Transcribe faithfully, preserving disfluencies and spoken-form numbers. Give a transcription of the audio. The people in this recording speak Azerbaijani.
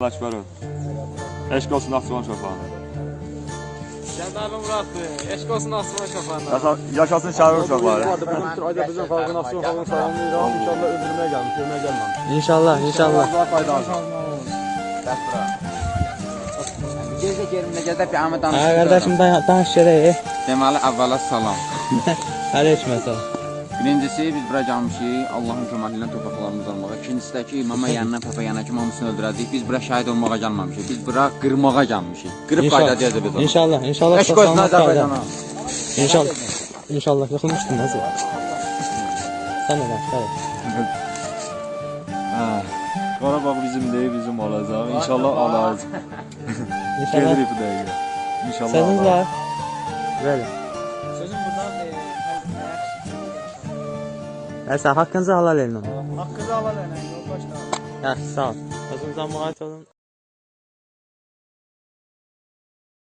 Əkbərov. Eşq olsun Naxçıvan uşaqlarına. Gəldəli Muraddır. Eşq olsun Naxçıvan uşaqlarına. Yaşasın şəhər uşaqları. Bizim bütün Azərbaycan xalqı Naxçıvan xalqını salamlayıram. İnşallah öldürməyə gəlmiş, görməyə gəlməmiş. İnşallah, inşallah. Gecə gerimdə gəzə bir amma Hə, danışırıq. qardaşım danış görək. Deməli, əvvəla salam. Aleyküm salam. Birincisi, biz bura gəlmişik, Allahın köməyi ilə torpaqlarımızı almağa. İkincisi də ki, imama yanına, papa yanına ki, hamısını öldürəcəyik. Biz bura şahid olmağa gəlməmişik. Biz bura qırmağa gəlmişik. Qırıb qayıdacağız biz onu. İnşallah, inşallah. Eşq olsun Azərbaycana. İnşallah. İnşallah yıxılmışdın nasıl? Sən də bax, gəl. Qarabağ bizim deyil, bizim olacaq. İnşallah alacaq. İnşallah. Gelirik bu dəqiqə. İnşallah Sözünüz alacaq. var. Böyle. Sözüm buradan deyil. Nəysə, haqqınızı halal edin. Haqqınızı halal edin. Yoldaşlar. Yaxşı, sağ ol. Özünüzə müayət olun.